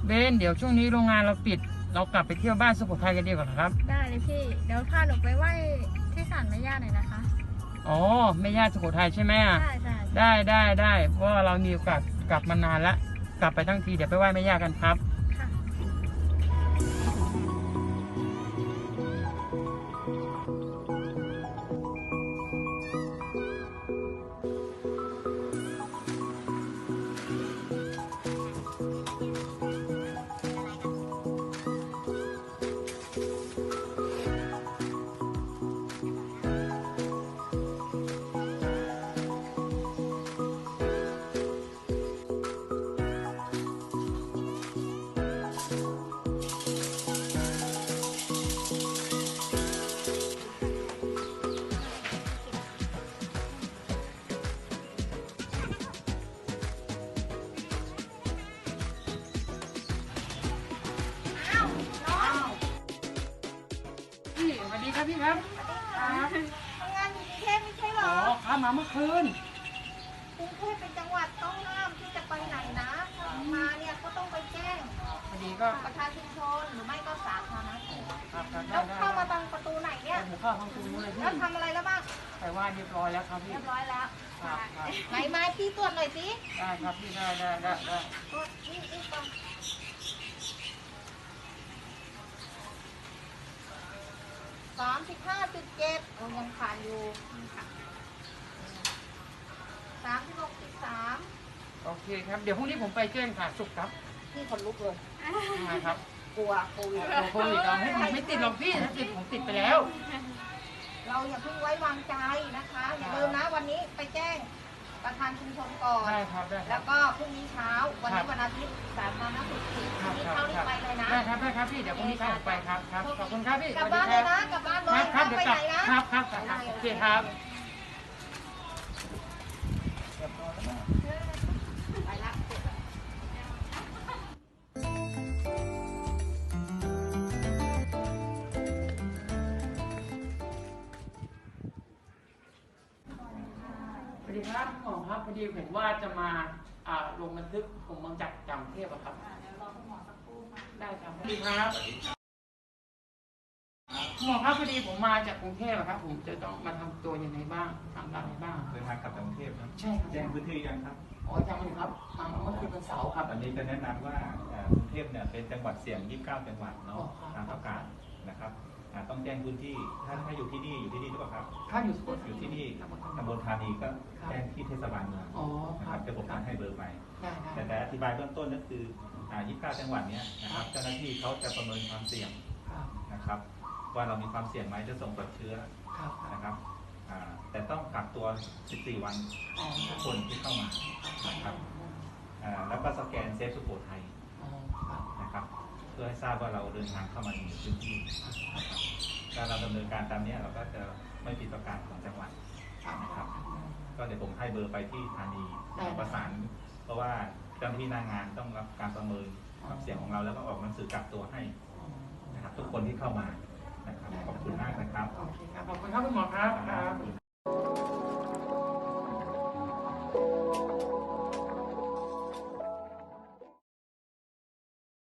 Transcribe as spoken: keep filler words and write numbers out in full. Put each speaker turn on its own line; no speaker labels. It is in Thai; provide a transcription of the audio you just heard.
เบนเดี๋ยวช่วงนี้โรงงานเราปิดเรากลับไปเที่ยวบ้านสุโขทัยกันดีกว่าครับ
ได้เลยพี่เดี๋ยวพาหนูไปไหว้ที่ศาลแม่ย่าหน่อยนะคะ
อ๋อแม่ย่าสุโขทัยใช่ไหมอ่ะ
ได้ได้
ได้ได้ได้เพราะว่าเรามีโอกาสกลับมานานละกลับไปทั้งทีเดี๋ยวไปไหว้แม่ย่ากันครับ
ค่ะ
พี่สวัสดีครับพี่ครับครับ
ทำงานอยู่กรุงเทพไม่ใช่เหร
อ๋อ
อ
ครับมาเมื่อคืน
กรุงเทพเป็นจังหวัดต้องห้ามที่จะไปไหนนะมาเนี่ยก็ต้องไปแจ้ง
พอดีก็
ประธานชุมชนหรือไม่ก็สาธารณสุข
ครับครับได้
แล้ว
ได้
เข้ามาทางประตูไหนเนี่ย
ผมเข้าทางตรงนู้นเลยพี่
แล้วทำอะไรแล้วบ้าง
ไปไหว้เรียบร้อยแล้วครับพี่
เรียบร้อยแล้ว
ครับครับ
ไหนมาพี่ตรวจหน่อยสิ
ได้ครับพี่ได้ได้ได้ได้
ตรวจนี่นี่ก่อนสามสิบห้าจุดเจ็ดโอ้ยังผ่านอยู่สามสิบหกจุดสาม
โอเคครับเดี๋ยวพรุ่งนี้ผมไปแจ้งค่ะสุขครับ
นี่คนลุกเลย
นะครับ
กลัวโควิด
โควิดเราให้ผมไม่ติดหรอกพี่ถ้าติดผมติดไปแล้ว
เราอย่าเพิ่งไว้วางใจนะคะอย่าลืมนะวันนี้ไปแจ้งประธานชุมชนก่อน
ได้ครับได้ครั
แล้
บ
วก็พรุ่งนี้เช้าวันนี้วันอาทิตย์สาธารณสุขปิดพรุ่งนี้เข้ารีบไปเลยนะ
ได้ครับได้ครับพี่เดี๋ยวพรุ่งนี้เช้าผมไปครับครับขอบคุณครับพี่
กลับบ้านเลยนะกลับบ้านเลย
ครับเดี๋ยวกลับ
ไปไหน
นะครับครับครับโอเคครับ
ไปละ
สวัสดีครับหมอครับพอดีผมว่าจะมาอ่าลงบันทึกผมมาจากจังเทพอะครับ
เดี๋ยวรอคุณหมอสักครู่ค่ะ
ได้ครับสวัสดีครับหมอครับพอดีผมมาจากกรุงเทพอะครับผมจะต้องมาทำตัวยังไงบ้างทำอะไรบ้าง
เดินทางกลับจากกรุงเทพนะ
ใช่ครับ
แจ้งพื้นที่ยังครับ
อ๋อจังเลยครับมาเมื่อคืนวันเสาร์ครับ
อันนี้จะแนะนำว่ากรุงเทพเนี่ยเป็นจังหวัดเสี่ยงยี่สิบเก้าจังหวัดเนาะตามประกาศนะครับต้องแจ้งพื้นที่ถ้าถ้าอยู่ที่นี่อยู่ที่นี่หรือเปล่าครับ
ถ้าอยู่สุโขทัย
อยู่ที่นี่ตำบลธานีก็แจ้งที่เทศบาลเมืองนะครับจะผมการให้เบอร์ไปแต่แต่อธิบายเบื้องต้นก็คือยี่สิบเก้าจังหวัดเนี้ยนะครับเจ้าหน้าที่เขาจะประเมินความเสี่ยงนะครับว่าเรามีความเสี่ยงไหมจะส่งตรวจเชื้อนะครับแต่ต้องกักตัวสิบสี่วันทุกคนที่เข้ามานะครับแล้วก็สแกนเซฟสุโขทัยนะครับเพื่อให้ทราบว่าเราเดินทางเข้ามาในพื้นที่ถ้าเราดำเนินการตามนี้เราก็จะไม่ผิดประกาศของจังหวัดนะครับก็เดี๋ยวผมให้เบอร์ไปที่ธานีประสานเพราะว่าเจ้าหน้าที่หน้างานต้องรับการประเมินความเสี่ยงของเราแล้วก็ออกหนังสือกักตัวให้นะครับทุกคนที่เข้ามานะครับขอบคุณมากนะครับ
ขอบคุณครับคุณหมอครับ